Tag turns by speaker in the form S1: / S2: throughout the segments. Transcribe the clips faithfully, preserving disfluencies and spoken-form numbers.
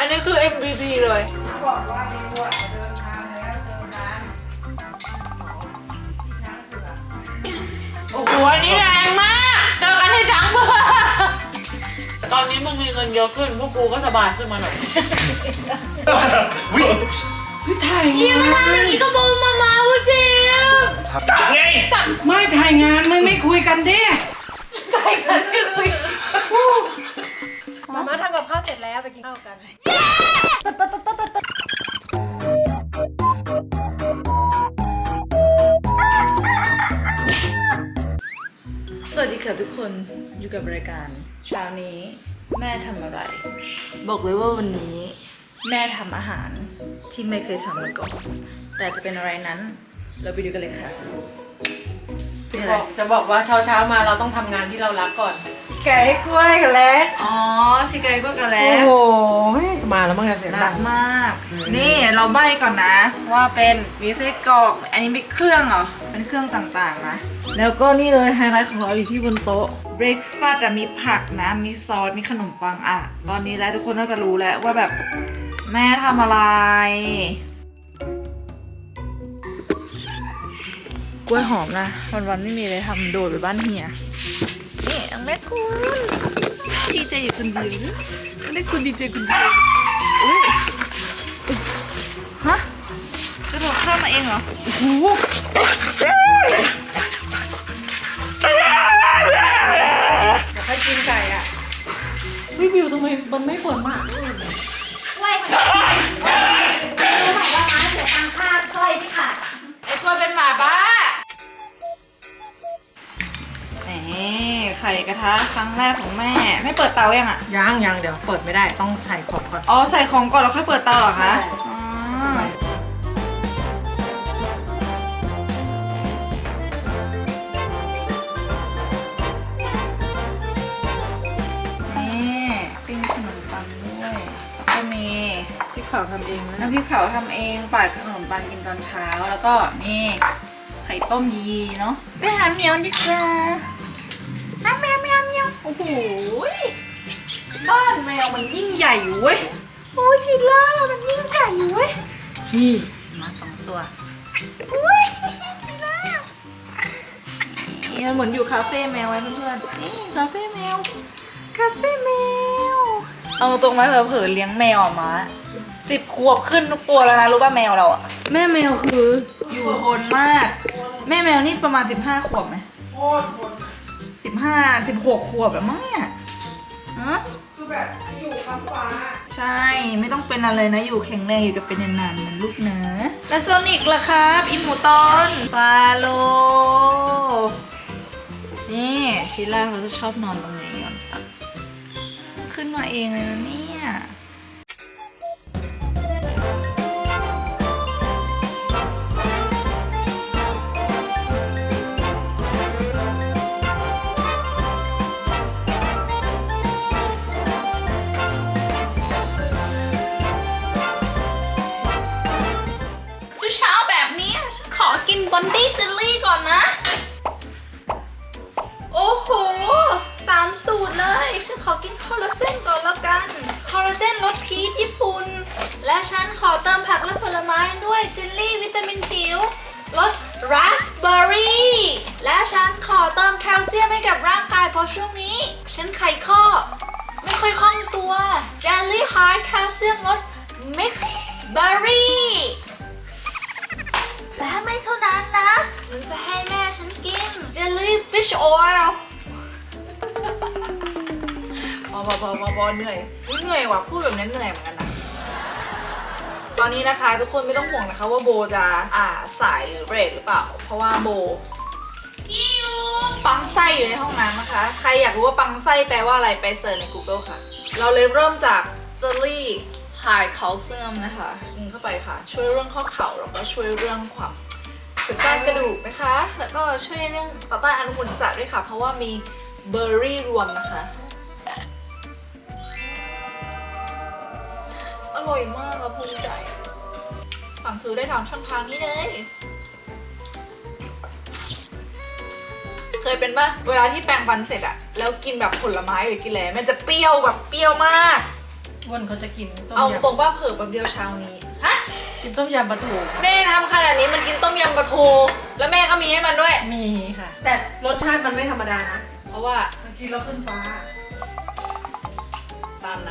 S1: นี้คือ เอ็ม วี พี เลย
S2: บอกว่ามีวัวเดินทางแล้วเจอร้านที่ช้างเผือก
S1: โอ้โหอันนี้แรงมากเจอกันที่ช้างเผือกตอนนี้มึงมีเงินเยอะขึ้นพวกกูก็สบายขึ้นมาหน่อย
S2: ถ่าย
S1: เชี่ยมันทำอย่างนี้ก็บอกมามาพูดจริงจับไง
S2: ไม่ถ่ายงานไม่ไม่คุยกันดิ
S1: ใส่กันไม่คุย
S3: มาม่าทำกับข้าวเสร็จแล้วไปกินข้าวกัน
S1: สวัสดีค่ะทุกคนอยู่กับรายการเช้านี้แม่ทำอะไรบอกเลยว่าวันนี้แม่ทำอาหารที่ไม่เคยทำมาก่อนแต่จะเป็นอะไรนั้นเราไปดูกันเลยค่ะเป็นอะไร
S3: บอกจะบอกว่าเช้าเช้าๆมาเราต้องทำงานที่เรารักก่อน แกะให้กล้วยกันแล้ว
S1: อ๋อชิคกี้พายกันแล้
S3: โอ้
S1: ว
S3: โหมาแล้วมั้งเนี่ยเสียง
S1: รั
S3: ดั
S1: ก
S3: ง
S1: มากนี่เราใบ้ก่อนนะ ว่าเป็นมีไส้กรอกอันนี้เป็นเครื่องเหรอเป็นเครื่องต่างๆนะแล้วก็นี่เลยไฮไลท์ของเราอยู่ที่บนโต๊ะเบรคฟาสต์มีผักนะมีซอสมีขนมปังอ่ะตอนนี้แล้วทุกคนน่าจะรู้แล้วว่าแบบแม่ทำอะไรกล้วยหอมนะวันๆไม่มีอะไรทำโดดไปบ้านเฮียนี่อังเล็กคุณดีใจอยู่คนเดียวนะอังเล็กคุณดีใจคนเดียวอุ้ยฮะกระโดดข้ามมาเองเหรอโอ้โห
S3: เดี๋ยวค่อยกินไก่อ่ะวิวิวทำไมมันไม่ปวดมาก
S4: กล้วยค่ะรู้ไหมว่าม้าเสียตังค่ากล้วยที่ขาด
S1: ไอ้กล้วยเป็นหมาบ้าแหมไข่กระทะครั้งแรกของแม่ไม่เปิดเตายังอ่ะ
S3: ยังยังเดี๋ยวเปิดไม่ได้ต้องใส่ของก่อน
S1: อ๋อใส่ของก่อนแล้วค่อยเปิดเตาเหรอคะอ๋อนี่ปิ้งขนมปังด้วยแล้วก็มี
S3: ที่เขาทำเองนะ
S1: น้ำพริกเผาทำเองปาดขนมปังกินตอนเช้าแล้วก็นี่ไข่ต้มยีเนาะไปหาเหมียวดีกว่าหาแมวแมวแมวโอ้โหบ้านแมวมันยิ่งใหญ่อยู่เว้ยโอ้ชิล่ามันยิ่งใหญ่อยู่เว้ยนี่มาสองตัวอุ้ยชิล่านี่มันเหมือนอยู่คาเฟ่แมวไว้เพื่อนๆนี่คาเฟ่แมวคาเฟ่แมวเอาตรงไหมเผลอๆเลี้ยงแมวอ่ะมาสิบขวบขึ้นทุกตัวแล้วนะรู้ป่ะแมวเราอ่ะแม่แมวคืออยู่ทนมากแม่แมวนี่ประมาณสิบห้าขวบไหม
S3: โคตรปวด
S1: สิบห้าสิบหกขวบแบบมั้งเนี่ยฮะ
S3: คือแบบอยู่ข้างฟ้า
S1: ใช่ไม่ต้องเป็นอะไรนะอยู่แข็งแรงอยู่กับเป็นนานๆเหมือนลูกเนื้อแล้วโซนิกล่ะครับอิมูตอนฟาโลนี่ชิล่าเขาจะชอบนอนตรงนี้ก่อนตัดขึ้นมาเองเลยนะเนี่ยเช้าแบบนี้ฉันขอกินบอนดี้เจลลี่ก่อนนะโอ้โหสามสูตรเลยฉันขอกินคอลลาเจนก่อนแล้วกันคอลลาเจนรสพีชญี่ปุ่นและฉันขอเติมผักและผลไม้ด้วยเจลลี่วิตามินผิวรสราสเบอร์รี่และฉันขอเติมแคลเซียมให้กับร่างกายเพราะช่วงนี้ฉันไขข้อไม่ค่อยคล่องตัวเจลลี่ฮาร์ดแคลเซียมรสมิกซ์เบอร์รี่และไม่เท่านั้นนะฉันจะให้แม่ฉันกิน jellyfish oil พอพอพอพอพอเหนื่อยเหนื่อยว่ะพูดแบบนี้เหนื่อยเหมือนกันนะตอนนี้นะคะทุกคนไม่ต้องห่วงนะคะว่าโบจะอ่าสายหรือเบรกหรือเปล่าเพราะว่าโบปังไส้อยู่ในห้องน้ำนะคะใครอยากรู้ว่าปังไส้แปลว่าอะไรไปเสิร์ชใน Google ค่ะเราเลยเริ่มจาก jelly high calcium นะคะกินเข้าไปค่ะช่วยเรื่องข้อเข่าแล้วก็ช่วยเรื่องความเสริมสร้างกระดูกนะคะแล้วก็ช่วยเรื่องต่อต้านอนุมูลอิสระด้วยค่ะเพราะว่ามีเบอร์รี่รวมนะคะอร่อยมากค่ะภูมิใจสั่งซื้อได้ทางช่องทางนี้เลยเคยเป็นป่ะเวลาที่แปรงฟันเสร็จอะแล้วกินแบบผลไม้หรือกินอะไรมันจะเปรี้ยวแบบเปรี้ยวมาก
S3: อ้วนเขาจะกินต้ม
S1: เอา
S3: ย
S1: ตรงว่าเผิ่แบบเดียวเช้านี้ฮะ
S3: ำกินต้มยำปลาทู
S1: แม่ทำขนาดนี้มันกินต้มยำปลาทูแล้วแม่ก็มีให้มันด้วย
S3: มีค่ะ แต่รสชาติมันไม่ธรรมดานะ
S1: เพราะว่า
S3: มันกินแล้วขึ้นฟ้า
S1: ตามนั้น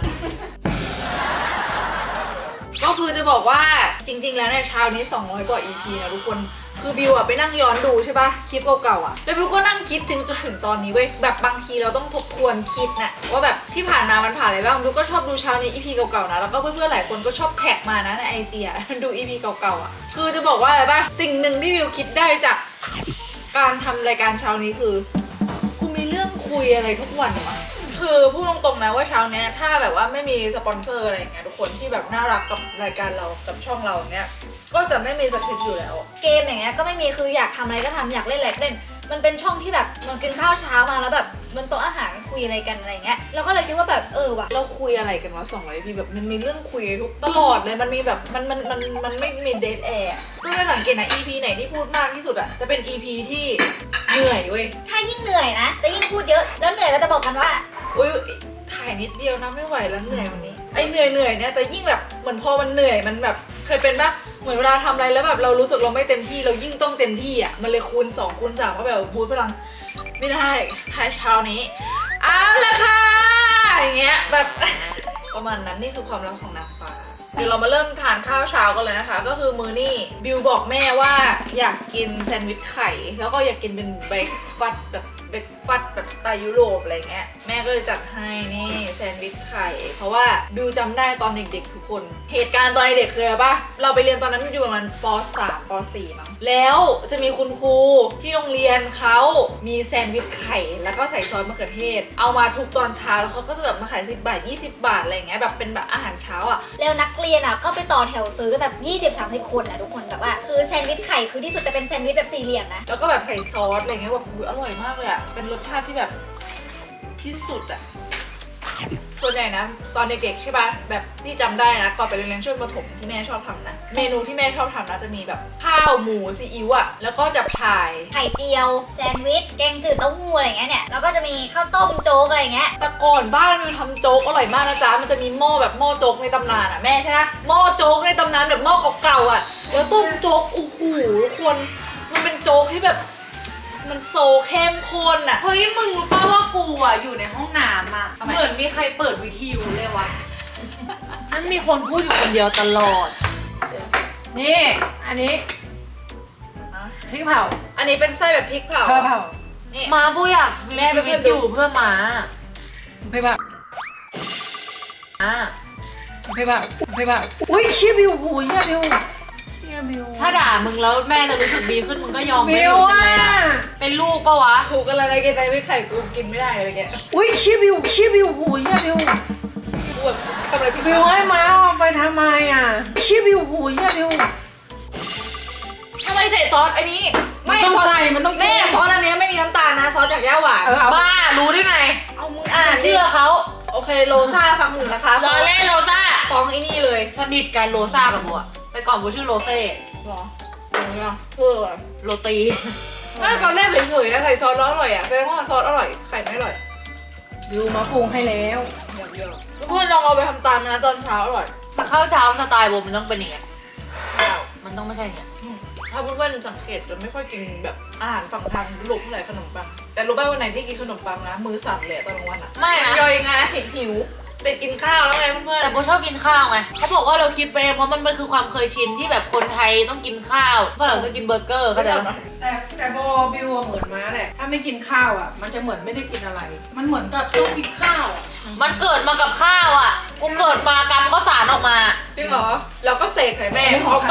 S1: ก็คือจะบอกว่าจริง ๆ แล้วเนี่ยเช้านี้สองร้อยกว่า อี พี นะทุกคนคือบิวอะไปนั่งย้อนดูใช่ปะคลิปเก่าๆอะแล้วบิวก็นั่งคิดถึงจนถึงตอนนี้เว้ยแบบบางทีเราต้องทบทวนคิดนะว่าแบบที่ผ่านมามันผ่านอะไรบ้างบิวก็ชอบดูเช้านี้ อี พี เก่าๆนะแล้วก็เพื่อนๆหลายคนก็ชอบแท็กมานะใน ไอ จี อะ ดู อี พี เก่าๆอะคือจะบอกว่าอะไรปะสิ่งหนึ่งที่บิวคิดได้จากการทำรายการเช้านี้คือกูมีเรื่องคุยอะไรทุกวันวะคือพูดตรงๆนะว่าเช้าเนี้ยถ้าแบบว่าไม่มีสปอนเซอร์อะไรอย่างเงี้ยทุกคนที่แบบน่ารักกับรายการเรากับช่องเราเนี้ยก็จะไม่มีสคริปต์อยู่แล้วเกมอย่างเงี้ยก็ไม่มีคืออยากทำอะไรก็ทำอยากเล่นอะไรก็เล่นมันเป็นช่องที่แบบเรากินข้าวเช้ามาแล้วแบบมันโต๊ะอาหารคุยอะไรกันอะไรเงี้ยเราก็เลยคิดว่าแบบเออว่ะเราคุยอะไรกันวะสองร้อย พีแบบมันมีเรื่องคุยทุกตลอดเลยมันมีแบบมันมันมันมันไม่มีเดทแอร์ก็เลยสังเกตนะ อี พี ไหนที่พูดมากที่สุดอะจะเป็น อี พี ที่เหนื่อยเว้ย
S4: ถ้ายิ่งเหนื่อยนะแต่ยิ่งพูดเยอะแล้วเหนื่อยเราจะบอกกันว่า
S1: อุ้ยถ่ายนิดเดียวนะไม่ไหวแล้วเหนื่อยวันนี้ไอเหนื่อยเหนื่อยเนี่ยแต่ยิ่งแบบเหมือนพอมันเหนื่อยมันแบบเคยเป็นปะเหมือนเวลาทำอะไรแล้วแบบเรารู้สึกเราไม่เต็มที่เรายิ่งต้องเต็มที่อ่ะมันเลยคูณสองคูณสามก็แบบบูทพลังไม่ได้ท้ายเช้านี้เอาละค่ะอย่างเงี้ยแบบ ประมาณนั้นนี่คือความรักของนางฟ้าเดี๋ยวเรามาเริ่มทานข้าวเช้ากันเลยนะคะก็คือมื้อนี้บิวบอกแม่ว่าอยากกินแซนด์วิชไข่แล้วก็อยากกินเป็นเบรกฟาสต์แบบเบรกฟาสต์แบบสไตล์ยุโรปอะไรเงี้ยแม่ก็เลยจัดให้นี่แซนด์วิชไข่เพราะว่าบิวจำได้ตอนเด็กๆทุกคนเหตุการณ์ตอนเด็กๆคืออะไรปะเราไปเรียนตอนนั้นอยู่ประมาณป สาม ป สี่ มั้งแล้วจะมีคุณครูที่โรงเรียนเขามีแซนด์วิชไข่แล้วก็ใส่ซอสมะเขือเทศเอามาทุกตอนเช้าแล้วเขาก็จะแบบมาขายสิบบาทยี่สิบบาทอะไรเงี้ยแบบเป็นแบบอาหารเช้าอ่ะ
S4: แล้วนักเรียนอ่ะก็ไปต่อแถวซื้อกันแบบ ยี่สิบ สามสิบ คนนะทุกคนแบบว่าคือแซนด์วิชไข่คือที่สุดแต่เป็นแซนด์วิชแบบสี่เหลี่ยมนะ
S1: แล้วก็แบบใส่ซอสอะไรเงี้ยแบบอุ๊ยอร่อยมากเลยอ่ะเป็นรสชาติที่แบบที่สุดอ่ะส่วนใหญ่นะตอนเด็กๆใช่ป่ะแบบที่จำได้นะก่อนไปเรียนช่วงประถมที่แม่ชอบทำนะเมนูที่แม่ชอบทำนะจะมีแบบข้าวหมูซีอิ๊วอ่ะแล้วก็จะพาย
S4: ไข่เจียวแซนด์วิชแกงจืดเต้าหู้อะไรเงี้ยเนี่ยแล้วก็จะมีข้าวต้มโจ๊กอะไรเงี้ย
S1: แต่ก่อนบ้านมิวทำโจ๊กอร่อยมากนะจ๊ะมันจะมีหม้อแบบหม้อโจ๊กในตำนานอ่ะแม่ใช่ไหมหม้อโจ๊กในตำนานแบบหม้อเก่าๆอ่ะแล้วต้มโจ๊กโอ้โหทุกคนมันเป็นโจ๊กที่แบบมันโซเข้มข้นอ่ะ
S2: เฮ้ยมึงรู้ป่าว่ากูอ่ะอยู่ในห้องน้ำอ่ะ
S1: ทำไม
S2: เหมือนมีใครเปิดวิทยุเลยวะนั่นมีคนพูดอยู่คนเดียวตลอด
S3: นี่อันนี้พริกเผา
S1: อันนี้เป็นไส้แบบพริกเผา
S3: เผาเผา
S1: นี่
S2: มาบูอยากมี
S1: แม่
S2: ชี
S1: ไป
S2: วิต
S1: ดู
S2: อยู่เพื่อม้า
S3: พริกเผา
S2: อ่ะ
S3: พริกเผาพริกเผาอุ้ยเชี่ยบิวโหเชี่ยบิวเชี่ยบิว
S2: ถ้าด่ามึงแล้วแม่จะรู้สึกดีขึ้นมึงก็ยอมไม่
S3: บิว
S2: รู้เป็น
S3: อ่ะ
S2: ไรอ่ะเป็นลูกปะวะ
S1: ถูกกันเลยนะกินไส้พริกไข่กูกินไม่ได้อะไรเงี้ย
S3: อุ้ยเชี่ยบิวเชี่ยบิวโหเชี่ยบิว
S1: กูแบบทำอะไรพริก
S3: บิวให้ม้าเอาไปทำไมอ่ะเชี่ยบิวโหเชี่ยบิว
S1: ทำไมใส่ซอสอันนี้
S3: มันต้อง
S1: ซอส
S3: ใส่มันต้อง
S1: แม่ซอสอันเนี้ยไม่มีน้ำตาลนะซอสจากย่าหวาน
S3: เออเอา
S2: บ้ารู้ได้ไง
S1: เอามึงอ่าน
S2: เชื่อเขา
S1: โอเคโลซ่าฟังหนูนะคะ
S2: รอเล่นโรซ่า
S1: ฟ้องไอ้นี่เลย
S2: สนิทกันโรซ่ากับบัวแต่ก่อนบัวชื่อโรเซ่
S1: หรออย่างเงี้ยเพื่ออะไร
S2: โรตี
S1: ไม่ตอนแรกเฉยๆนะใส่ซอสแล้วอร่อยอ่ะแสดงว่าซอสอร่อยไข่ไม่อร่อย
S3: บิวมาปรุงให้แล้ว
S1: อย่างเดียวเพื่อนลองเอาไปทำตามนะตอนเช้าอร่อย
S2: แต่ข้าวเช้าสไตล์บัวมันต้องเป็นอย่างเงี้ยมันต้องไม่ใช่เนี่ย
S1: ถ้าเพื่อนๆสังเกตจะไม่ค่อยกินแบบอาหารฝั่งทางยุโรปเท่าไหร่ขนมปังแต่รู้ป่ะวันไหนที่กินขนมปังนะมือสั่นเลยตอนกลางวันอ่ะ
S2: ไม่นะ
S1: ย่อยไงหิวแต่กินข้าวแล้วไงเพื่อน
S2: แต่โบชอบกินข้าวไงเขาบอกว่าเราคิดไปเองเพราะมันมันคือความเคยชินที่แบบคนไทยต้องกินข้าวฝรั่งก็กินเบอร์เกอร์
S1: ๆ
S2: เข้าใจปะ
S3: แต่แต่บอบิวอะเหมือนม้าแหละ ถ้าไม่กินข้าวอ่ะ มันจะเหมือนไม่ได้กินอะไร มันเหมือนกับต้องกินข้าวอ่ะ
S2: มันเกิดมากับข้าวอ่ะกูเกิดมากรรมก็สารออกมา
S1: จริงเหรอเราก็เสกใส่แม่ออกไป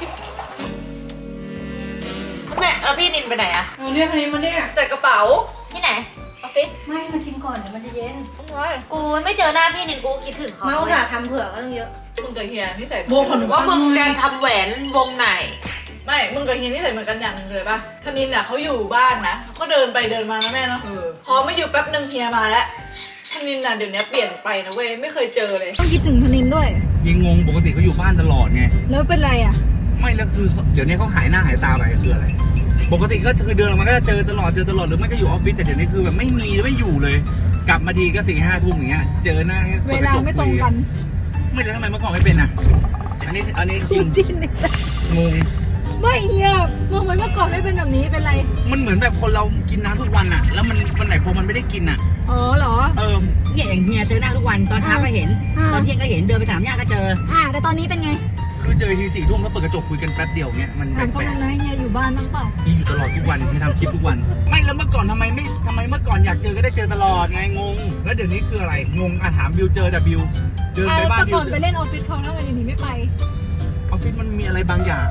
S2: แม่แล้วพี่นินไปไหนอะ
S3: เออเรียกอันนี้มาเนี่ย
S1: จัดกระเป๋า
S4: ที่ไหน
S1: ออฟฟิศ
S3: ไม่มากินก่อนเดี๋ยวมันจะเย็น
S1: ต้องไว้
S2: กูไม่เจอหน้าพี่นินกูคิดถึงเขา
S4: เมาส์จะทำเผื่อก็ต้องเยอะ
S1: มึงกับเฮียนี่ใส่
S3: โบขนม
S2: ว่ามึงจะทำแหวนวงไหน
S1: ไม่มึงกับเฮียนี่ใส่เหมือนกันอย่างหนึ่งเลยป่ะธนินอ่ะเขาอยู่บ้านนะเขาก็เดินไปเดินมานะแม่เนาะ
S3: เออ
S1: พอไม่อยู่แป๊บนึงเฮียมาแล้วธนินน่ะเดี๋ยวนี้เปลี่ยนไปนะเว้ยไม่เคยเจอเลย
S4: ต้องคิดถึงธนินด้วย
S5: ยังงงปกติเขาอยู่บ้านตลอดไง
S4: แล้วเป็นไรอ่ะ
S5: ไม่แล้วคือเดี๋ยวนี้เขาหายหน้าหายตาไปคืออะไร ปกติก็คือเดินออกมาก็จะเจอตลอดเจอตลอดหรือไม่ก็อยู่ออฟฟิศแต่เดี๋ยวนี้คือแบบไม่มีไม่อยู่เลยกลับมาทีก็สี่ห้าทุ่มอย่างเงี้ยเจอหน้า
S3: เวลาไม่ตรงกัน
S5: ไม่แล้วทำไมเมื่อก่อนไม่เป็นอ่ะอันนี้อันนี้จริง
S3: จริงเนี่ย
S5: งง
S3: ไม่เฮียเมื่อวันเมื่อก่อนไม่เป็นแบบนี้เป็นไร
S5: มันเหมือนแบบคนเรากินน้ำทุกวันอ่ะ แล้วมันวันไหนพอมันไม่ได้กินอ่ะ
S3: อ๋อเหรอ
S5: เออ
S6: เนี่ยอย่างเฮียเจอหน้าทุกวันตอนเช้าก็เห็น
S4: อ่า
S6: ตอนเที่ยงก็เห็นเดินไปสามย่านก็เจอ
S4: อ่าแต่ตอนนี้เป็นไง
S5: คือเจอทีสี่ทุ่มแล้วเปิดกระจกคุยกันแป๊บเดียวเงี้ยมันแป
S3: ถามเขา
S5: ลก
S3: ทำไมเฮียอยู่บ้านบ้างเปล่า
S5: ๆมีอยู่ตลอดทุกวันที่ทำคลิปทุกวัน ไม่แล้วเมื่อก่อนทำไมไม่ทำไมเมื่อก่อนอยากเจอก็ได้เจอตลอดไงงง แล้วเดี๋ยวนี้คืออะไรงงอ่ะถามบิวเจอแต่บิวเดิน
S3: อ่า
S5: ไปบ้าน
S3: แต่
S5: บิ
S3: ก่
S5: ว
S3: อนไปเล่นออฟฟิศเขาแล้ววันนี้ไม่ไป
S5: ออฟฟิศมันมีอะไรบางอย่าง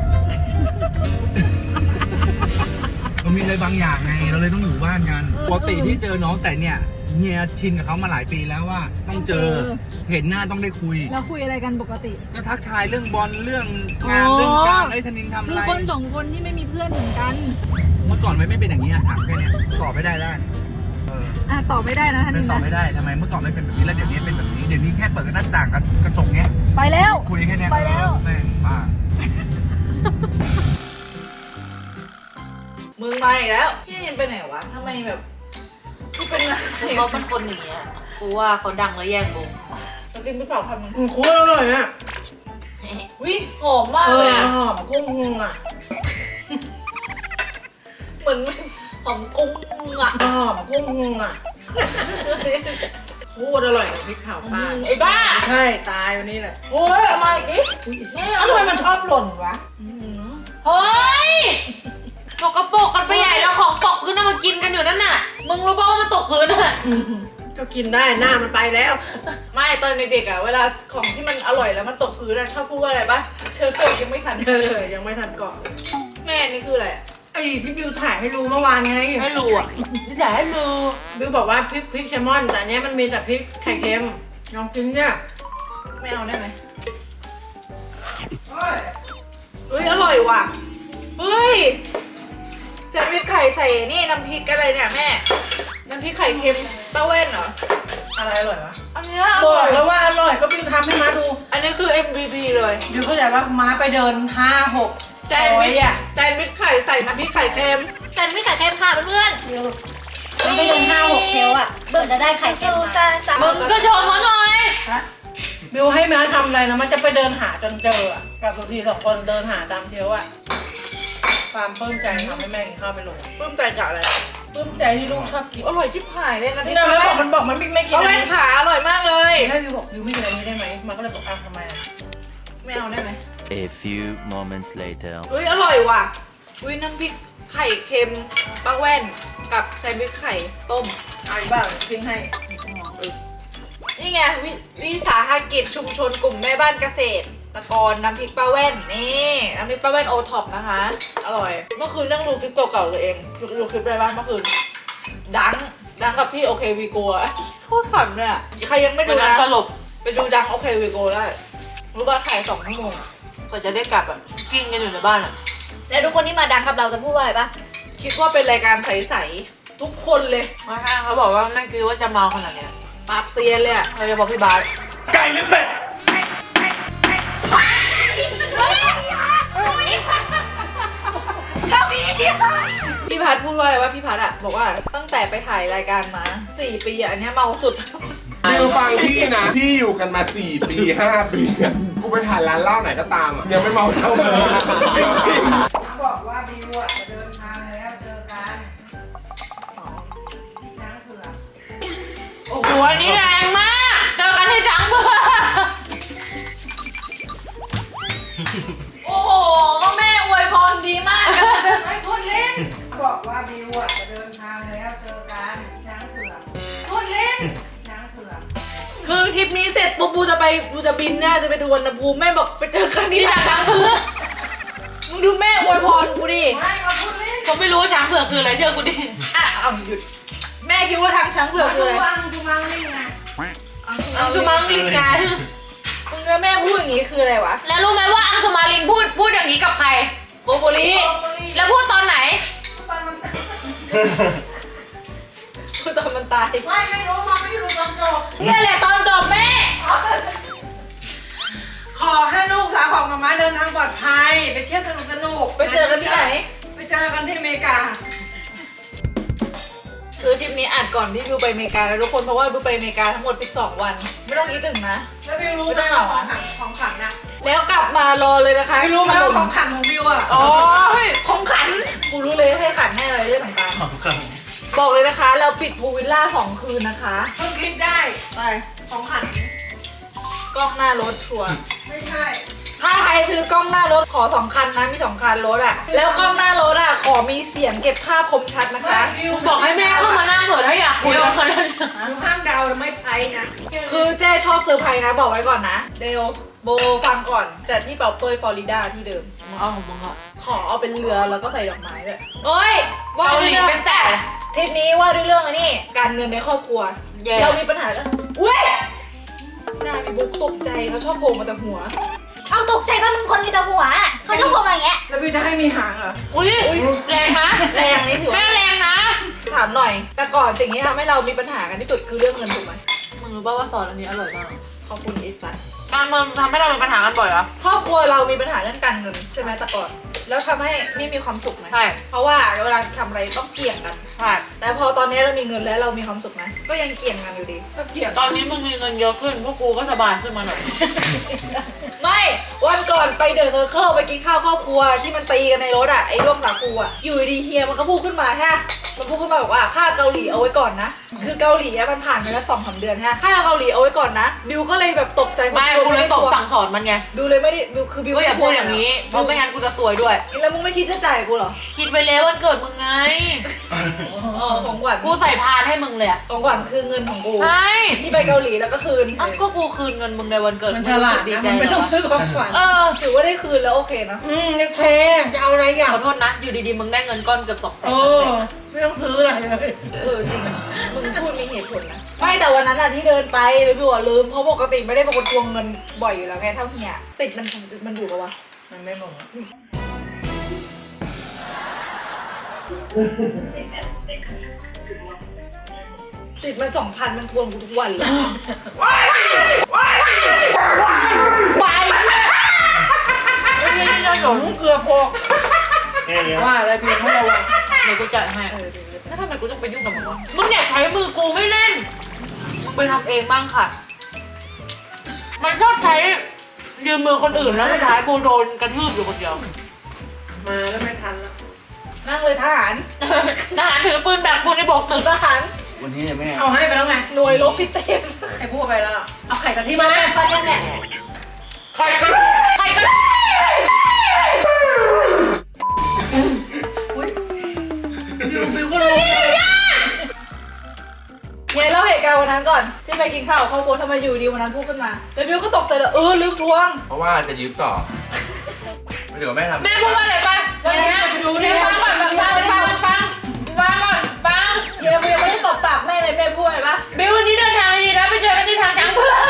S5: มันมีอะไรบางอย่างไงเราเลยต้องอยู่บ้านกัน
S3: เออ
S5: ปกติที่เจอน้องแต่เนี่ยเฮียชินกับเขามาหลายปีแล้วว่าต้องเจอ
S3: เออ
S5: เห็นหน้าต้องได้คุย
S3: แล้วคุยอะไรกันปกติ
S5: ก็ทักทายเรื่องบอลเรื่องงาน
S3: อ๋อ
S5: เรื่องการไอ้ยธนินทำ
S3: คื
S5: อะ
S3: อ
S5: ไร
S3: คนสองคนที่ไม่มีเพื่อนเหมือนกัน
S5: เมื่อก่อนไม่ไม่เป็นอย่างนี้อะถามแค่เนี้ยตอบไม่ได้แล้วเออ
S3: อ่ะตอบไม่ได้นะท่าน
S5: ไม่
S3: นี่
S5: ตอบ
S3: นะ
S5: ไม่ได้ทำไมเมื่อก่อนไม่เป็นแบบนี้แล้วเดี๋ยวนี้เป็นแบบนี้เดี๋ยวนี้แค่เปิดหน้าต่างกับกระจกเนี้ย
S3: ไปแล้ว
S5: คุยแค่เนี้ย
S3: ไปแล้ว
S5: เออแม่งบ้า
S1: มึงมาอีกแล้วพี่เห็นไปไหนวะทำไมแบบกูเป็นอะไร
S2: เขาเป็นคนอย่างเงี้ยกูว่าเขาดังแล้วแย่งวง
S1: เรากินไม่เปล่าคำนึง
S3: อืมโคตรอร่อยอ่ะ
S1: วิหอมมาก
S3: เอ
S1: เลย
S3: อ
S1: อะ
S3: หอมกุ้งงงอ่ะ
S1: เหมือนหอมกุ้งอะ
S3: หอมกุ้งงงอ่ะโคตรอร่อยกับพริกเผาปลา
S1: ไอ้บ้า
S3: ใช่ตายวันนี้แหละ
S1: โอ้ยเอามาอีกดิ
S3: เอ้าทำไมมันชอบหล่นวะ
S2: เฮ้ยสกปรกกันไปใหญ่แล้วของตกพื้นน่ะมากินกันอยู่นั่นน่ะ มึงรู้ป่าวว่ามันตกพื้นอ่ะ
S3: ก็กินได้หน้ามันไปแล้ว
S1: ไม่ตอนเด็กๆอะเวลาของที่มันอร่อยแล้วมันตกพื้นอะชอบพูดว่าอะไรปะเชิญตัวยังไม่ทัน
S3: เออยังไม่ทันก่อน
S1: แม่นี่คืออะไรอะ
S3: ไอ้ที่บิวถ่ายให้รู้เมื่อวานไง
S2: ไม่รู้อ่ะนี่แต่ให้มือ
S3: บิวบอกว่าพริกพริกแซลมอน แต่อันเนี้ยมันมีแต่พริกไข่เค็มลองกินเนี่ย
S1: ไม่เอาได้ไหมเฮ้ยอร่อยว่ะเฮ้ยแซนด์วิชไข่ใส่นี่น้ำพริกอะไรเนี่ยแม่น้ำพริกไข่เค็มป้าเว่นเหรอ
S3: อะไรอร่อยวะ
S1: อันเนี้ยอบ
S3: อ
S1: ร่อก ย
S3: แล้วว่าอร่อยก็บิวทำให้ม้าดู
S1: อันนี้คือ เอ็ม วี พี เลย
S3: บิวเข้าใจว่าม้าไปเดินห้าหก
S1: แซนด์วิชอะแซนด์วิชไข่ใส่น้ำพริกไข่เค็ม
S4: แต่ไม่ใส่เค็มค่ะเพื่อน
S3: บิวมันไปเดินห้าหกเทลอ่ะ
S4: เบิร์จะได้ไข่เค็มมา
S2: มึงก็ชมเขาหน่อย
S3: บิวให้ม้าทำอะไรนะมันจะไปเดินหาจนเจออ่ะกับสุธีสองคนเดินหาตามเทลอ่ะความปลื้มใจทำให้แม่กินข้าวไปลง
S1: ปลื้มใจจากอะไร
S3: ปลื้มใจที่ลูกชอบกิน
S1: อร่อยชิบหายเลยนะ
S3: นี่
S1: พี่
S3: เรา
S1: ป้า
S3: แล้วบ
S1: เว่
S3: อกมัน
S1: น
S3: บอกมันไม่ไม่กิน
S1: ป้า
S3: อัน
S1: เว่น
S3: นี้
S1: ขาอร่อยมากเลย
S3: ให้บิวบอกบิวไม่กินอันนี้ได้ไหมมันก็เลยบอกอ้าวทำไมอ่ะ
S1: ไม่เอาได้ไหม
S7: A few moments later.
S1: เฮ้ยอร่อยว่ะอุ้ยน้ำพริกไข่เค็มป้าแว่นกับแซนด์วิชไข่ต้ม
S3: เอาอีกบ้างกินให้
S1: นี่ไงววิสาหกิจชุมชนกลุ่มแม่บ้านเกษตรตะกรน้ำพริกป้าแว่นนี่น้ำพริกป้าแว่นโอท็อปนะคะ อร่อย เมื่อคืนนั่งดูคลิปเก่าๆตัวเองดูดูคลิปอะไรบ้างเมื่อคืนดังดังกับพี่โอเควีโกะโคตรขำเลยอะใครยังไม่
S2: เป็
S1: ดู
S2: นการ
S1: นะ
S2: สลบ
S1: ไปดูดังโอเควีโกได้รู้ป่ะถ่ายสองชั่วโมง
S2: กว่าจะได้กลับอ่ะกิ้งกันอยู่ในบ้านอ่ะ
S4: แล้วทุกคนที่มาดังกับเราจะพูดว่าอะไรปะ
S1: คิดว่าเป็นรายการใสๆทุกคนเลย
S2: มาห้างเขาบอกว่าไม่คิดว่าจะเมาขนาดเนี้ย
S1: ปราบเซียนเลยอะ
S2: เราจะบอกพี่บาส
S5: ไก่หรือเป็ด
S1: พี่พัดพูดว่าอะไรว่าพี่พัดอะบอกว่าตั้งแต่ไปถ่ายรายการมาสี่ปีอะอันเนี้ยเมาสุด
S8: บิวฟังพี่นะ พี่อยู่กันมาสี่ปีห้าปีอะกูไปถ่ายร้านเหล้าไหนก็ตามอ่ะยังไม่เมาเท่าเลยจริงๆ
S3: บอกว่าบิวอ่ะจะเดินทางแล้วเจอกันที่ช้างเผือก
S2: โอ้โหอันนี้แรงมากเจอกันที่จังเบอร์
S1: โอ้โหก็แม่อวยพรดีมากเลยไอ้ทุนลิ้น
S3: บอกว่าบิวอ่ะจะเดินทางแล้วเจอกันที่ช้างเผือก
S1: ทุนลิ้น
S3: ที่ช้างเผือก
S1: คือทริปนี้เสร็จปุ๊บบูจะไปบูจะบินเนี่ยจะไปดูวันภูมิแม่บอกไปเจอกันที่
S2: ที่
S1: ร้า
S2: จั
S1: น
S2: งช้างเผือก
S1: มึงดูแม่อวยพรกูดิ
S3: ไม่มาพูดเล่น
S2: ผมไม่รู้ว่าช้างเผือกคืออะไรเชื่อกูดิ
S1: อ่ะเอาหยุดแม่คิดว่าทางช้างเผือก
S3: มา
S1: คือ
S3: ดู
S1: อะไร
S3: วังดูมังนี่ไง
S2: อังสุมาลินไง
S1: มึงกับแม่พูดอย่างงี้คืออะไรวะ
S2: แล้วรู้ไหมว่าอังสุมาลินพูดพูดอย่างนี้กับใคร
S1: โกโบลี
S2: แล้วพูดตอนไหน
S3: ตอนมัน
S1: พูดตอนมันตาย
S3: ไม่ไม่รู้มาไม่รู้ตอนจบ
S1: เนี่ยแหละตอนจบแม่
S3: ขอให้ลูกสาวของมาม่าเดินทางปลอดภัยไปเที่ยวสนุกสนุก
S1: ไปเจอกันที่ไหน
S3: ไปเจอกันที่อเมริกา
S1: คือทริปนี้อัดก่อนที่บิวไปอเมริกาแล้วทุกคนเพราะว่าบิวไปอเมริกาทั้งหมดสิบสองวัน ไม่ต้องคิดถึงนะ
S3: แล้วบิวรู้
S1: ไม่
S3: ไหม
S1: ต้องเหงา
S3: ของขังของขังนะ
S1: แล้วกลับมารอเลยนะคะ
S3: บิวรู้ไหมว่าของขังของบิวอ่ะ
S2: โอ้ย
S1: ของขันกูรู้เลยให้ขันให้อะไรเรื่องต่างๆบอกเลยนะคะ เราปิดพูลวิลล่าสองคืนนะคะ
S3: เพิ่งคิดได้
S1: ไป
S3: ของขัง
S1: กล้องหน้ารถชัวร์
S3: ไม่ใช่
S1: ถ้าใครซื้อกล้องหน้ารถขอสองคันนะมีสองคันรถอะแล้วกล้องหน้ารถอะขอมีเสียงเก็บภาพคมชัดนะคะ
S3: บิว
S2: มึงบอกให้แม่เข้ามานั่งเถอะถ้าอยากคุยกับคนนั้น
S3: บิวห้ามเดาแล้วไม่ไปนะ
S1: คือเจ้ชอบเซอร์ไพรส์นะบอกไว้ก่อนนะเดลโบฟังก่อนจัดที่เป่าเปยฟลอริดาที่เดิม
S2: มึงเอาของมึงอะ
S1: ขอเอาเป็นเรือแล้วก็ใส่ดอกไม้ด้วยเฮ้ยว่า
S2: เกาห
S1: ด้วย
S2: ลี
S1: เรื่อง
S2: เป็นแต่
S1: ทริปนี้ว่าด้วยเรื่องอันนี้การเงินในครอบครัว
S2: แย่
S1: เรามีปัญหาแล้วอุ้ยหน้าพี่บุ๊กตกใจเขาชอบโผล่มาแต่หัว
S4: เอาตกใจป่ะมึงคนมีแต่หัวอะเขาชอบพอมาอย่างเงี้ย
S3: แล้วบิวจะให้มีหางเหรอ
S2: อุ้ยแรงนะ
S1: แรงนี่ถือ
S2: แม่
S1: ว่า
S2: แรงนะ
S1: ถามหน่อย แต่ก่อนสิ่งที่ทำให้เรามีปัญหากันที่สุดคือเรื่องเงินถูกไหม
S2: มึงรู้ป่าวว่าซอสอันนี้อร่อยมาก
S1: ขอบคุณไอ้สัส
S2: การมันทำให้เรามีปัญหากันบ่อยเหรอ
S1: ครอบครัวเรามีปัญหาเรื่องการเงินใช่ไหมแต่ก่อน แล้วทำให้ไม่มีความสุขไหม
S2: ใช่
S1: เพราะว่าเวลาทำอะไรต้องเกี่ยงกัน
S2: ใช่
S1: แต่พอตอนนี้เรามีเงินแล้วเรามีความสุขไหมก็ยังเกี่ยงกันอยู่ดี
S3: ก็เกลียด
S2: ตอนนี้มึงมีเงินเยอะขึ้นพวกกูก็สบายขึ้นมาหน่อย
S1: ไม่วันก่อนไปเดอะเซอร์เคิลไปกินข้าวครอบครัวที่มันตีกันในรถอ่ะไอ้ร่วมสาคูอ่ะอยู่ดีๆเฮียมันก็พูดขึ้นมาฮะมันพูดขึ้นมาบอกว่าค่าเกาหลีเอาไว้ก่อนนะคือเกาหลีอะมันผ่านไปแล้วสองสามเดือนฮะค่าเกาหลีเอาไว้ก่อนนะบิวก็เลยแบบตกใจ
S2: ไม่กูเลยตบสั่งสอนมันไง
S1: บิวเลยไม่ได้บิวคือบิว
S2: ก็อย่าพูดอย่างนี้เพราะไม่งั้นกูจะซวยด้วย
S1: แล้วมึงไม่คิดจะจ่ายกูเหรอ
S2: คิดไปแล้ววันเกิดมึงไง
S1: เออของขวัญ
S2: กูใส่พานให้มึงเลยอะ
S1: ของขวัญคือเงินของกู
S2: ใช่
S1: ที่ไปเกาหลีแล้วก็คืน
S2: อ้าวก็กูคืนเงินมึงในวันเกิด
S3: มันฉลาด
S2: ดี
S3: นะ
S2: ใจ
S3: มันไม่ต้อง
S2: เหรอ
S3: ซื้อของขวัญ
S2: เออ
S1: ถือว่าได้คืนแล้วโอเคนะ
S3: อืมโอเคจะเอาอะไรอย่าง
S2: ขอโทษนะ อยู่ดีๆ มึงได้เงินก้อนเกือบสองแสน
S3: เออไม่ต้องซื้ออะไรเลย
S1: เออจริงมึงพูดมีเหตุผลนะไม่แต่วันนั้นอะที่เดินไปหรือบิวอะลืมเพราะปกติไม่ได้เป็นคนทวงเงินบ่อยอยู่แล้วไงเท่าเฮียติดมันมันอยู่ปะวะ
S3: มันไม่บอก
S1: ติดมันสองพันมันทวงกูทุกวันเลย
S2: ไปไม่ได้จะหลง
S3: เกือบพกว่าอะไรบิวไม่ระวัง
S2: เดี๋ยวกูจ่ายให้แล้วทำไมกูต้องไปยุ่งกับมึงวะมึงอยากใช้มือกูไม่เล่น มึงไปทำเองบ้างค่ะ มันชอบใช้ยืมมือคนอื่นแล้วสุดท้ายกูโดนกระทืบอยู่คนเดียว
S3: มาแล้วไม่ทันแล้ว
S1: นั่งเลยทหาร
S2: ทหารถือปืนแบบกูในโบกตึก
S1: ทหาร
S5: วันนี้แม่
S3: เอาให้ไปแล้วไง
S1: หน่วยรบพิเศษ
S3: ใครพูดไปแล้วเอาไข่กะทิ
S1: ที่
S3: มา
S1: มาปันยังเนี่ย
S2: ใครก็ใครก็
S3: บิวบิวก็รู้
S1: เฮียเล่าเหตุการณ์วันนั้นก่อนที่ไปกินข้าวกับครอบครัวทำไมอยู่ดีวันนั้นพูดขึ้นมาแล้วบิวก็ตกใจเลยเออลืมทวง
S5: เพราะว่าจะยืมต่อไม่เดี๋ยวแม่ทำ
S2: แม่พูดว่าอะไรไปวันนี้เดี๋ยวฟังก่อนฟังฟังฟังฟังฟังก่อนฟัง
S1: เฮียบิวไม่ได้ตบปากแม่เลยแม่พูดอะไรปะ
S2: บิววันนี้เดินทางดีนะไปเจอกันที่ทางจังเพื่อน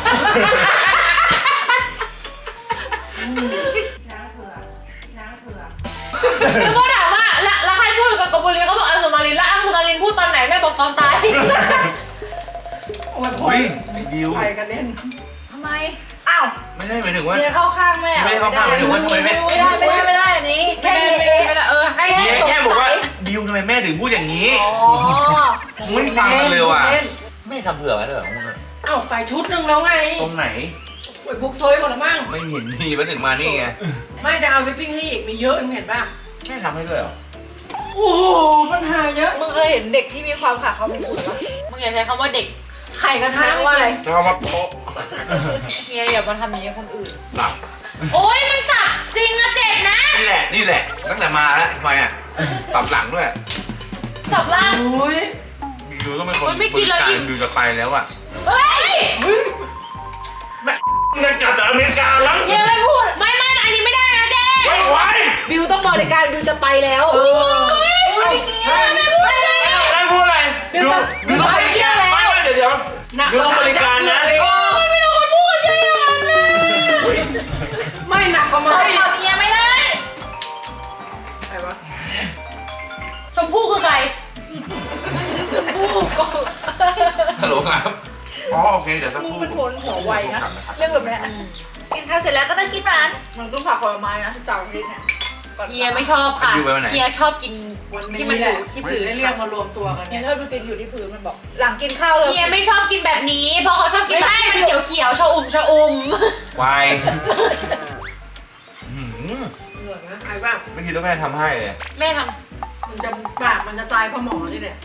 S2: แล้วก็ถามว่าแล้วใครพูดกับกบบุรีเขาบอกอังสุมารินแล้วอังสุมารินพูดตอนไหนแม่บอกตอนตาย
S3: โอ้ยพ
S5: อุ้ยไม่ดิว
S3: ไปกันเล่น
S1: ทำไมอ้าว
S5: ไม่ได้หมายถึงว่า
S1: เฮียเข้าข้างแม่
S5: ไม่ได้เข้าข้างหมายถึงว่าทำไมแม่
S1: ไม่ได้ไม่ได้ไม่ได้อันนี้แค่
S2: ไม่
S1: เฮี
S2: ได้
S1: ย
S2: ไม่ได้เออให้
S5: แม่แค่บอกว่าดิวทำไมแม่ถึงพูดอย่างนี้
S1: อ๋อ
S5: ไม่ฟังกันเลยว่ะ
S3: เล่น
S5: ไม่ทำเผื่อไว้เลยเหรอมึงอะ
S3: เอ้าไปชุดหนึ่งแล้วไง
S5: ตรงไหน
S3: โอ้ยบุกซอยหมดแล้วมั้ง
S5: ไม่เห็นมีมาถึงมานี่ไง
S3: ไม่จะเอาไปปิ้งให้อีกมีเยอะมึงเห็นป่ะ
S5: แม่ทำให้ด้วยเหรอ
S3: โอ้โหปัญหาเยอะ
S1: มึงเคยเห็นเด็กที่มีความขาดความเป็นคุณปะ
S2: มึงอย่าใช้คำว่าเด็ก
S3: ไข่กระทะ
S1: ใช้ว่าอะไร
S5: จะเอามาโป๊ะ
S2: เฮียอย่ามาทำอย่างนี้กับคนอื่น
S5: สับ
S2: โอ๊ยมันสับจริงนะเจ็บนะ
S5: นี่แหละ นี่แหละ ตั้งแต่มาแล้วทำไมอ่ะ สับหลังด้วย
S2: สับล่าง
S3: โอ้ย
S5: บิวต้องเป็นคน
S2: โอ๊ยไม่กินแล้วอิ่ม
S5: บิวจะไปแล้วอ่ะ
S2: เฮ้ย
S5: แม่เงินกลับจากอเมริกาแล้ว
S1: เฮียไม่พูด
S2: ไม่ไม่อันนี้ไม่ได้นะเจ๊
S5: ไม่ไหว
S1: บิวต้องบริการบิวจะไปแล้ว
S3: เออ
S1: เฮ้ยเฮียไม่พูดเลย
S5: ไม่พูดอะไร
S1: บิวจะ
S5: บิวต้อง
S1: ไปเที่ยวแล้ว
S5: ไม่ไม่เดี๋ยวเดี๋ยว
S3: หนัก
S5: บิวต้องบริการนะ
S1: โอ้ยไม่ต้องมาพูดเยอะอย่างนั้นเลย
S3: ไม่หนักกว่า
S1: เอ
S3: ไม้
S1: อขอเฮียไม่ได้
S3: อะไรวะ
S2: ชมพู่คือใคร
S1: ชมพู่ก็
S5: ฮัลโหลครับ อ๋อโอเคเดี๋ยวสักค
S1: มึง
S5: รู่
S1: เป็นคนหัวไวนะ
S5: กลับนะครับ
S1: เรื่องแบบเนี้ยกินข้าวเสร็จแล้วก็ต้องกินร้านมันต้องผักผลไม้นะสตาร์บัคเนี่ย
S3: ก่อน
S2: เฮียไม่ชอบค่ะ
S5: อยู่ไปวันไหน
S2: เฮียชอบกิน
S3: วัน
S2: ที่
S3: นี้
S2: มันอ
S3: แหละ
S2: ยู่ที่พื้น
S3: ได้เรียกมารวมตัวกัน
S1: เนี่
S3: เนี่ย ย
S1: ชอบดูตินอยู่ที่พื้นมันบอก หลังกินข้าวเลย
S2: เฮียไม่ชอบกินแบบนี้ เพราะเขาชอบกินแบบที่มันเขียวๆชะอุ่มชะอุ่ม
S5: ควายอื้อหือ
S3: เหนื่อยนะไอ้บ้าง
S5: ไม่คิดว่าแม่ทำให้เลย
S2: แม่ท
S3: มันจะปากมันจะตายเพราะหมอนี่แหละ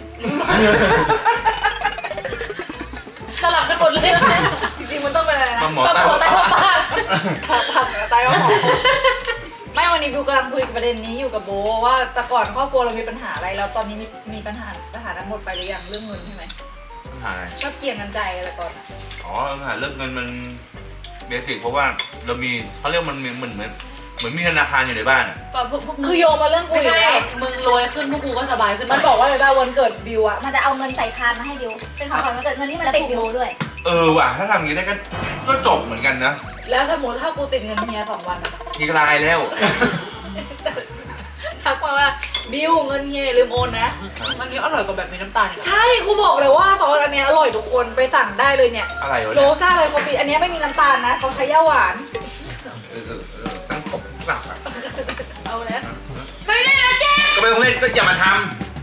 S2: ำสลับกันหมดเลย
S1: จริงๆมันต้องเป็นอะไรนะ
S5: ปลาหมอ
S2: ปลาหมอ
S5: ใต้
S2: ใต้
S5: ปลา
S2: ผ้า
S1: ผักผักตายว่าหมอไม่วันนี้บิวกำลังคุยประเด็นนี้อยู่กับโบว่าแต่ก่อนครอบครัวเรามีปัญหาอะไรแล้วตอนนี้มีมีปัญหาปัญหานั้นหมดไปหรือยังเรื่องเงินใช่ไหม
S5: ปัญหาอะไร
S1: ชอบเกี่ยงกันใจอะไรก่อนอะ
S5: อ๋อปัญหาเรื่องเงินมันเบสิกเพราะว่าเรามีเขาเรียกมันมีเหมือนเหมือนเหมือนมีธนาคารอยู่ในบ้านอ่ะ
S2: ก็พวกพวกมึ
S1: คื
S2: ง
S1: อโยงมาเรื่องกู
S2: ไม่
S1: อีก
S2: ใช่
S1: แล้ว
S2: มึงรวยขึ้นพวกกูก็สบายขึ้น
S1: มันบอกว่าอะไรบ้างวันเกิดบิวอะ
S4: มันจะเอาเงินใส่พานมาให้ดิวเป็นของขวัญวันเกิดเงินที่มันติดบิวด้วย
S5: เออว่ะถ้าทำอย่างนี้ได้ก็ก็จบเหมือนกันนะ
S1: แล้วสมมติถ้ากูติดเงินเฮียสองวันอะ
S5: ทีกลายแล้ว
S1: ทักมาว่าบิวเงินเฮียอย่าลืมโอนนะ
S2: มันนี้อร่อยกว่าแบบมีน้ำตาลอีกอะ
S1: ใช่กูบอกเลยว่าตอนอันเนี้ยอร่อยทุกคนไปสั่งได้เลยเนี่ย
S5: อะไรวะ
S1: โร
S5: เนี่ย
S1: ซ่าเลยคอฟฟี่อันเนี้ยไม่มีน้ำตาลนะเขาใช้ย่าหวาน
S5: เออเออเออตั้งกบสับอ่ะ
S1: เอาแล้ว
S2: ไม่ได้นะเจ๊
S5: ก็ไม่ต้องเล่นก็อย่ามาท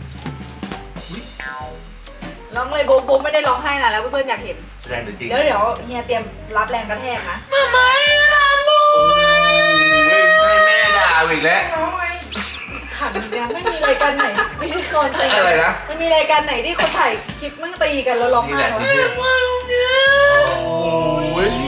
S1: ร้องเลยโบโบไม่ได้ร้องไห้นะแล้วเพื่อนๆอยากเห็น
S5: ำแสดงหรือจริง
S1: แล้วเดี๋ยวเฮียเตรียมรับแรงกระแทกนะ
S2: มาไม่ทำบุญ
S5: โอ้ยให้แม่ด่าอีกแล้ว
S1: ขันอีกแล้วไม่มีรายการไหนไม่ใช่คนตี
S5: อะไรนะ
S1: มันมีรายการไหนที่คนถ่ายคลิปมั่งตีกันแล้วร้อง
S5: นี่
S1: ไห้
S5: แหละ
S1: วะ
S5: ที่เพื่อน
S2: มาลุงเนี่ย
S5: โอ้ย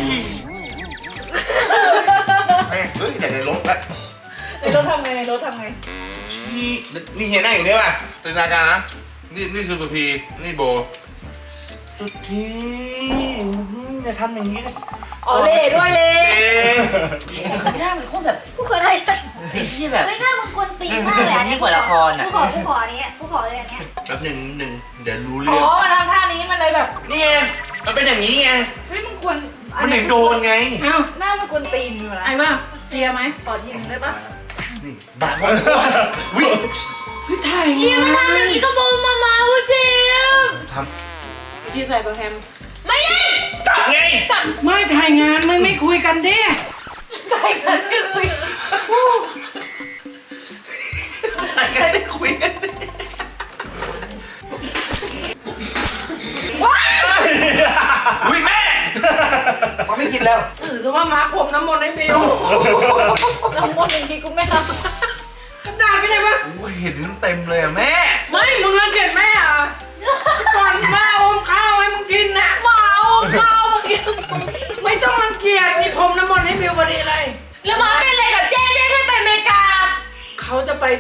S5: แม่เฮ้ยแต่ในรถละ
S1: ในรถทำไงในรถทำไง
S5: นี่นี่เห็นหน้าอย่างนี้ป่ะจินตนาการนะนี่นี่คือสุธีนี่โบ สุธีอย่าทำอย่างนี้
S1: อ๋อเล่ด้วยเล่
S5: เอ๊ะ
S6: หน้ามันโคตรแบบ
S4: ผู้เคยได้ฉัน
S6: ไอ้ที่แบบ
S4: ไม่น่ามึงกวนตีนมากเลยอัน
S6: ยิ่
S4: เนี้
S6: งกว่าละครอ่ะ
S4: กูขอกูขออันนี้กูขอเลยอันเนี้ย
S5: แป๊บหนึ่งหนึ่งเดี๋ยวรู้
S1: อ๋
S5: เรื่
S1: อ
S5: อง
S1: มันทำท่านี้มันเลยแบบ
S5: นี่ไงมันเป็นอย่างนี้ไง
S1: เฮ้ยมึงควร
S5: มันถึงโดนไง
S3: เอ้า
S1: หน้ามันกวนตีนอยู่นะ
S3: ไอ้บ้างเคลียร์ไหม
S1: ขอทีนึงได้ปะ
S5: นี่บ้าบอวิ่ง
S3: ถ่าย
S2: เชียร์มันทำอย่างนี้ก็บอกมามาพูดเจี๊ยบ
S5: ท
S2: พี่ใส่โปรแกรมไม่ได้
S5: ำตัดไง
S3: ไม่ถ่ายงานไม่ไม่คุยกันดิ
S2: ใส่กันไม่คุย
S5: ตัดไงไม่คุยกันอุ้ยแม่เขาไม่กินแล้ว
S3: สื่อซะว่ามาร์คผมน้ำมนต์ให้บิว
S1: น้ำมนต์อย่างนี้กูไม่ท
S3: กระดาษไม่ได้ปะ
S5: โอ้เห็นเต็มเลยอะแม่
S3: ไม่มึงรังเกียจแม่เหรอ่ะก่อนแม่อมข้าวให้มึงกินนะ
S1: ำมาเอาข้าวมากิน
S3: ไม่ต้องรังเกียจนี่ผมน้ำมนต์ให้บิวพอดีเลย
S2: แล้วมาเป็นอะไรกับเจ๊เจ๊แค่ไปอเมริกา
S3: เขาจะไป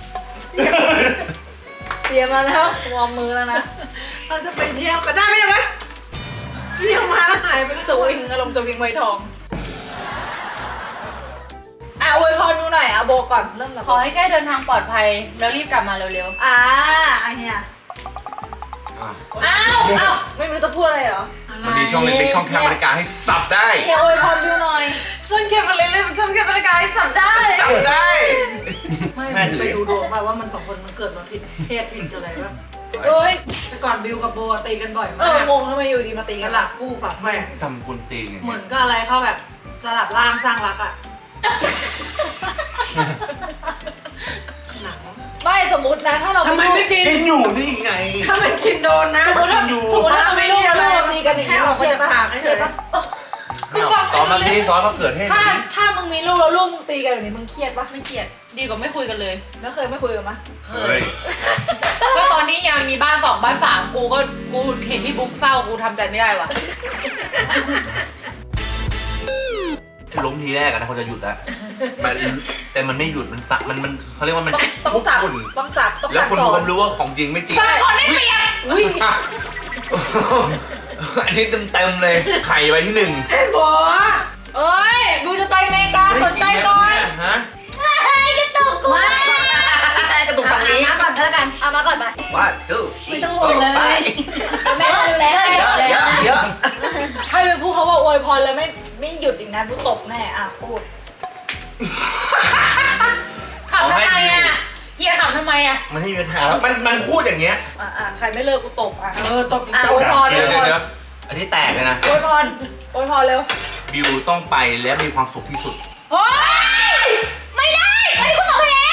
S1: เตรียมมาแล้ววอร์มมือแล้วนะ
S3: เราจะไปเที่ยวกันได้ไหมเนี่ยไหมเที่ยวมาแล้วหายไปแล้ว
S1: สวิงอารมณ์จะวิ่งไวทอง อ่ะอวยพรดูหน่อยอ่ะโบก่อนเริ่มกับ
S2: ขอให้แก้เดินทางปลอดภัยแล้วรีบกลับมาเร็ว
S1: อ่าอ่ะเฮีย
S5: อ่ะ
S2: ๆ อ้าว
S1: อ้าวไม่รู้จะพูดอะไรเหรอ
S5: มันมีช่องเล็กๆช่องแคบบริการให้สับได้
S1: เฮียอวยพรดูหน่อย
S2: ช่วยเก็บอะไรเลยมันช่วยเก็บรายการให้สับได้
S5: สับได้
S3: ไม่
S5: แม่ถือ
S3: ไปดูดวงมาว่ามันสองคนมันเกิดมาผิดเพศผิดอะไรบ้าง
S1: เอ้ย
S3: แต่ก่อนบิวกับโบตีกันบ่อย
S1: เอ
S3: มา
S1: อก งงทำไมอยู่ดีมาตี
S3: ตี
S1: กั
S3: กัน น
S1: ล่ะ
S3: หลักคู่ฝักแม่
S5: ทำคุณตีไง
S3: เหมือนก็อะไรเข้าแบบสลับร่างสร้างรักอ่ะหนัง
S1: ไม่สมมตินะถ้าเรา
S3: ทำไมไม่กิน
S5: กินอยู่นี่ไง
S3: ถ้าไม่กินโดนนะ
S1: สมมติถ้า
S5: อยู่
S1: สมมติถ้าเราไม่รู้เราตีกันอย่าง
S3: แค่
S1: นี้
S3: อ
S1: เรา
S3: อก
S1: เชื่อ
S3: จาก
S1: ปะ
S3: ปากเฉย
S1: ปะ
S5: ตอนมาที่ซอสมะเขือเทศ
S1: ถ้าถ้ามึงมีลูกแล้วลูกมึงตีกันแบบนี้มึงเครียดปะ
S2: ไม่เครียดดีกว่าไม่คุยกันเลย
S1: แล้วเคยไม่คุยกันปะ
S5: เฮ้ย
S2: ก็ตอนนี้ยังมีบ้านสองบ้านสามกูก็กูเห็นพี่บุ๊กเศร้ากูทำใจไม่ได้ว่ะ
S5: ล้มทีแรกอะนะเขาจะหยุดแล้วมันแต่มันไม่หยุดมันสักมันมันเขาเรียกว่ามัน
S1: ต้องต้องสับ
S5: คุ่น
S1: ต้องสับต้อง
S5: แล้ว
S1: สับ
S5: คน
S1: ส
S5: ดู
S1: อ
S5: คน วามรู้ว่าของจริงไม่จริง
S2: สับก่อนได้เปรียบ
S1: อุ้ย
S5: อันนี้เต็มๆเลยไข่ไว้ที่หนึ่ง
S3: ๆไอ้โบ
S1: เอ้ยกูจะไปอเมริกาสนใจหน่อย
S5: ฮะ
S4: กระตุกกู
S1: ไม่กระตุกฝั่งนี้
S4: เอามาก่อนแล้วกันเอามาก่อนไป
S5: ว่าจู้
S1: ไม่ต้องห่วงเลย
S4: แม่ดูแลให้
S5: เยอะเยอะเยอะ
S1: ให้ไปพูดเขาว่าอวยพรแล้วไม่ไม่หยุดอีกนะพูดตบแน่อ่ะพูด
S2: ขำทำไมอ่ะเฮียขำทำไมอ่ะ
S5: มันให้มีปัญหาแล้วมันมันพูดอย่างเงี้ย
S1: อ่ะอ่ะใครไม่เลิกกูตบอ่ะ
S3: เออตบอีก
S1: อ่ะ
S3: ต
S1: อบ วยพรอ
S5: เดี๋
S1: วย
S5: ยว
S1: พ
S5: เดี๋ยว
S1: ร
S5: เดี๋ยวอันนี้แตกเลยนะ
S1: อวยพรอวยพรเร็ว
S5: บิวต้องไปและมีความสุขที่สุด
S1: เฮ้ย
S2: ไม่ได้ไม่ได้กูตอบเอง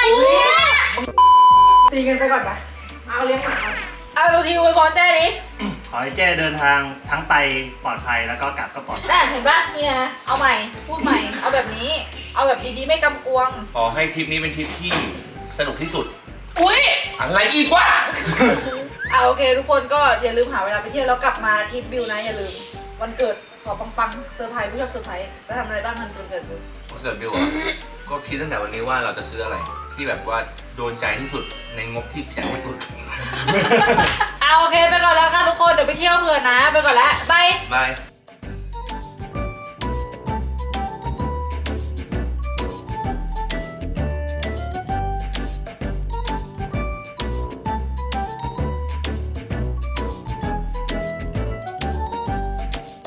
S1: เนี่ย
S3: ตีกันไปก่อนปะเอาเลี้ยงหมาก่อนเอาดูทีวีบอลแจ้ดิ
S9: ขอให้เจ้เดินทางทั้งไปปลอดภัยแล้วก็กลับก็ปลอดภัย
S1: แต่เห็นปะเนี่ยเอาใหม่พูดใหม่เอาแบบนี้ เอาแบบดีๆไม่กำกวง
S5: ขอให้ทริปนี้เป็นทริปที่สนุกที่สุด
S1: อุ้ย
S5: อะไรอีกวะ
S1: เอาโอเคทุกคนก็อย่าลืมหาเวลาไปเที่ยวแล้วกลับมาทริปบิวนะอย่าลืมวันเกิดขอปังๆเซอร์ไพรส์ผู้ชอบเซอร์ไพรส์จะทำอะไรบ้างมันวันเกิดบิว
S5: วันเกิดบิวอะก็คิดตั้งแต่วันนี้ว่าเราจะซื้ออะไร ที่แบบว่าโดนใจที่สุดในงบที่ประหยัดที่สุด
S1: เอาโอเคไปก่อนแล้วค่ะทุกคนเดี๋ยวไปเที่ยวเผื่อนะไปก่อนแล้วบาย
S5: บาย